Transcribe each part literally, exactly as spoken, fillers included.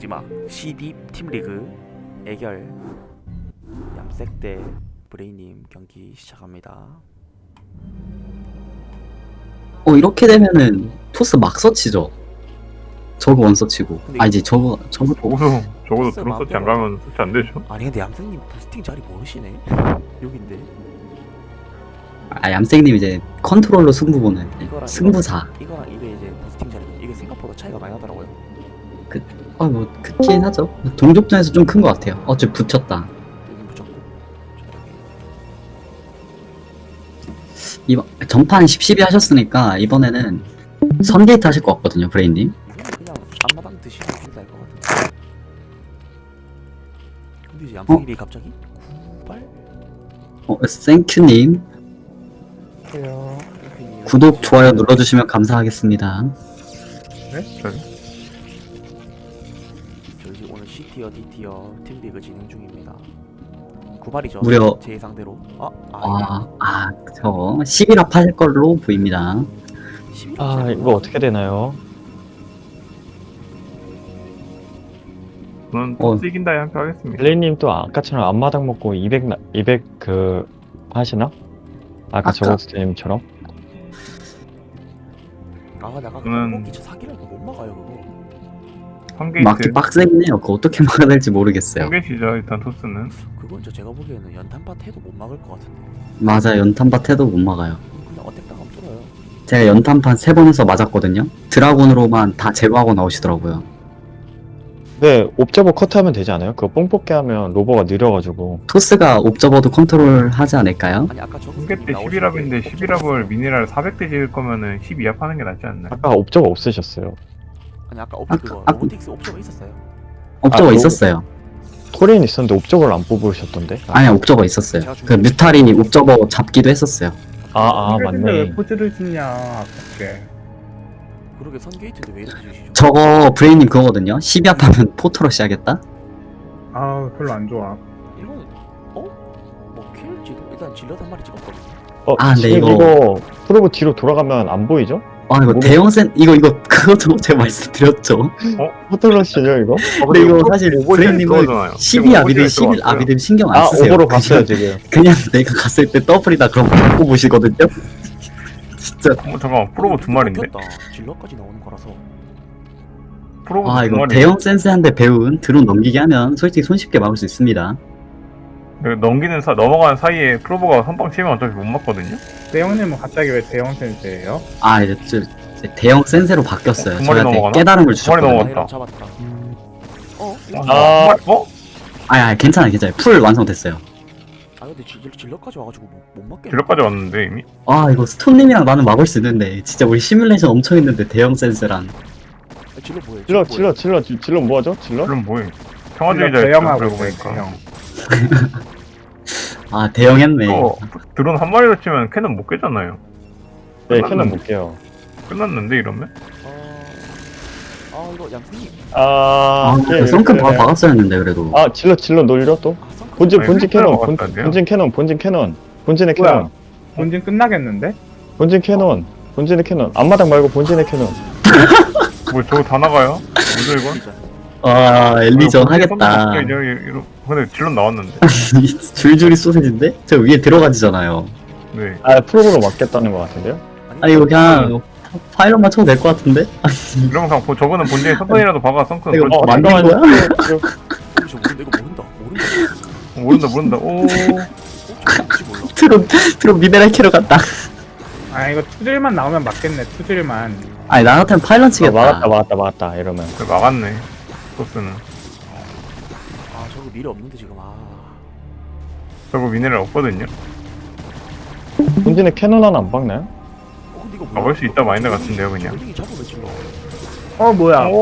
마지막 씨디 팀리그 애결 얌색 대 브레이님 경기 시작합니다. 어 이렇게 되면은 토스 막 서치죠. 저거 원 서치고. 아 이제 저거 저거 적어도 적어도 글쎄, 드론 서치 안 마음대로. 가면 서치 안 되죠. 아니 근데 얌색님 부스팅 자리 모르시네. 여긴데 아 얌생님 이제 컨트롤러 승부 보는 이거랑 승부사. 이거랑 이게 이제 부스팅 자리 이게 생각보다 차이가 많이 나더라고요. 아뭐 크긴 하죠. 동족전에서 좀 큰 것 같아요. 어째 붙였다. 여긴 붙였고 이번 전판 십, 십이 하셨으니까 이번에는 선게이트 하실 것 같거든요, 브레인님. 그냥 앞마당 드시면 된다 할것 같은데. 근데 이제 얌색님이 갑자기 구발 어 땡큐님 해요. 구독 좋아요 눌러주시면 감사하겠습니다. 네? 저기? 저희 오늘 C티어, D티어 팀리그 진행 중입니다. 구발이죠. 무려- 제 예상대로. 아, 아, 아, 아 저거 십일 합 하실 걸로 보입니다. 십일 아 이거 어떻게 되나요? 저는 어. 토스 이긴다에 함께 하겠습니다. 벨리님 또 아까처럼 앞마당 먹고 이백 나, 이백 그 하시나? 아까 아까- 저거스님처럼? 아, 내가 저는- 그거 기차 사기라니까 못 막아요 그거. 막기 선게이트. 빡세긴 해요. 그거 어떻게 막아야 될지 모르겠어요. 선게이트죠 일단 토스는. 그건 저 제가 보기에는 연탄밭 해도 못 막을 것 같은데. 맞아, 연탄밭 해도 못 막아요. 그냥 어택 당하면 뚫어요. 제가 연탄판 세 번 해서 맞았거든요. 드라곤으로만 다 제거하고 나오시더라고요. 네 옵저버 컷하면 되지 않아요? 그거 뽕 뽑게 하면 로버가 느려가지고 토스가 옵저버도 컨트롤 하지 않을까요? 아니 아까 저거 선게 때 십일 합인데 십일 합을 미네랄 사백 대 지을 거면은 십이 합 하는 게 낫지 않나요? 아까 옵저버 없으셨어요. 아니 아까 옵션 아까- 그거 아까- 로보틱스 옵션가 있었어요. 옵저버 아, 있었어요. 토레인 있었는데 옵저버를 안 뽑으셨던데? 아니야, 옵저버 있었어요. 그 뮤탈이 옵저버 잡기도 했었어요. 아, 아 근데 맞네. 왜 포즈를 짓냐 아깝게. 그러게 선게이트인데 왜 이렇게 주시죠? 저거 브레인님 그거거든요. 십이 합 하면 포토러시 하겠다? 아 별로 안 좋아. 이거는 어? 뭐 킬지도 일단 질럿 한 마리 찍었거든요. 어, 아, 근데 지금 이거- 이거 프로브 뒤로 돌아가면 안 보이죠? 아, 이거 모르- 대형 센, 이거, 이거, 그것도 제가 말씀드렸죠. 포토러시죠 이거? 근데 이거 사실 브레인님은 들어오잖아요. 십이 합이든 십일 합이든 신경 안 아 쓰세요. 오버로 그냥- 봤어요 지금. 그냥 내가 갔을 때 더블이다 그럼 못 보시거든요. 진짜. 어, 잠깐만 프로보 두 마리인데? 먹혔다. 질럿까지 나오는 거라서. 프로보 아 두 이거 마리. 대형 센스한테 배운 드론 넘기게 하면 솔직히 손쉽게 막을 수 있습니다. 넘기는 사 넘어가는 사이에 프로보가 선빵 치면 어차피 못 맞거든요. 대형님은 갑자기 왜 대형 센스예요? 아 이제 저, 이제 대형 센세로 바뀌었어요. 두 마리 저한테 넘어가나? 깨달음을 두 마리 주셨거든요. 넘어갔다. 아이랑 잡았다. 어? 이거- 아. 어? 아니 아니 괜찮아요 괜찮아요. 풀 완성됐어요. 아 근데 질, 질럿까지 와가지고 못, 못 맞겠네. 길러까지 왔는데 이미. 아 이거 스톤님이랑 나는 막을 수 있는데 진짜 우리 시뮬레이션 엄청 했는데 대형 센스란. 아, 질럿 뭐예요? 질러 질럿 뭐예요? 질러 질러 질러 뭐하죠? 질러? 그럼 뭐해? 평화주의자 대형하고 그러고 있어요. 보니까. 대형. 아 대형 했네. 어, 드론 한 마리로 치면 캐논 못 깨잖아요. 네 캐논 볼게요. 끝났는데 이러면? 아, 아 이거 양승님. 아, 아 네, 성큼 네, 바로 네. 박았어야 했는데 그래도. 아 질러 질러 놀려 또? 아 썬크. 본진 아니, 본진 휘파람 캐논 본, 막았다, 안 돼요? 본진 캐논 본진 캐논 본진의 뭐야? 캐논 본진 끝나겠는데? 본진 캐논 본진의 캐논 앞마당 말고 본진의 캐논. 뭐 저거 다 나가요? 뭐죠 이건? 진짜. 아 엘리전 어, 하겠다. 이제 이러- 근데 질론 나왔는데. 줄줄이 소세지인데? 저 위에 들어가지잖아요. 네. 아 프로브로 맞겠다는 것 같은데요? 아니 이거 그냥 파일럿만 쳐도 될 것 같은데? 이러면 그냥 보- 저거는 본진에 선선이라도 박아 썬크. 이거 어, 만든 거야? 지금 저 모른다 이거 모른다 모른다. 모른다 모른다. 오. 어? 저 뭔지 몰라. 트론 트론 미네랄 캐러 갔다. 아 이거 투질만 나오면 맞겠네. 투질만. 아니 나 같으면 파일럿 어, 치겠다. 막았다 막았다 막았다 이러면 그래, 막았네. 토스는. 아 저거 미래 없는데 지금 아. 저거 미네랄 없거든요. 본진의 캐논 하나 안 박나요? 어 근데 이거 뭐야? 가볼 수 있다 마인드 같은데요, 그냥. 이 잡으면 질러. 어 뭐야? 어?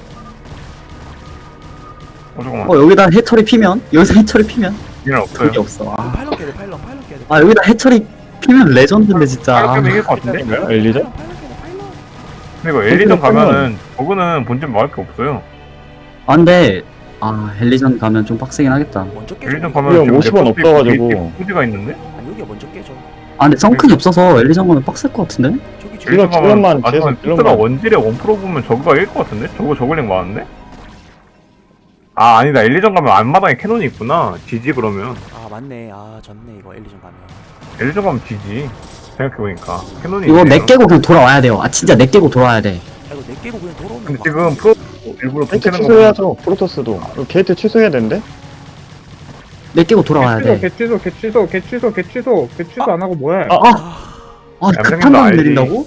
어 잠깐만. 어 여기다 해처리 피면 여기서 해처리 피면 미네랄 없어요. 그게 없어. 아, 파일럿 깨야 돼 파일럿 파일럿 깨야 돼. 아 여기다 해처리 피면 레전드인데 진짜. 아, 이렇게 이길 것 같은데? 뭐야? 엘리전? 파일럿 깨야 돼 파일럿. 근데 이거 엘리전 가면은 저거는 본진 막을 게 없어요. 아 근데 아 헬리전 가면 좀 빡세긴 하겠다. 먼저 깨져. 엘리전 여기. 가면 이거 지금 오십 원 랩터스 없어가지고. 후지가 있는데? 아니 여기가 먼저 깨져. 아 근데 성큰이 없어서 엘리전 가면 빡셀 것 같은데? 저기 질러, 엘리전 가면 질러만, 마지막에 질러만. 토스가 원질에 원 프로 보면 저거가 이길 것 같은데? 저거 저글링 많은데? 아 아니다 엘리전 가면 앞마당에 캐논이 있구나. 지지 그러면. 아 맞네. 아 졌네 이거 엘리전 가면. 엘리전 가면 지지. 생각해보니까 캐논이 이거 있네요. 내 깨고 그냥 돌아와야 돼요. 아 진짜 내 깨고 돌아와야 돼. 아 이거 내 깨고 그냥 돌아오면 근데 막- 지금 프로 일부러 게이트 붙이는 거 취소해야죠. 프로토스도. 이거 게이트 취소해야 되는데? 내 깨고 돌아와야 개취소, 돼. 개취소, 개취소, 개취소, 개취소, 개취소 안 하고 뭐해? 아, 아, 아 얌생님도 급한 방 알지. 내린다고?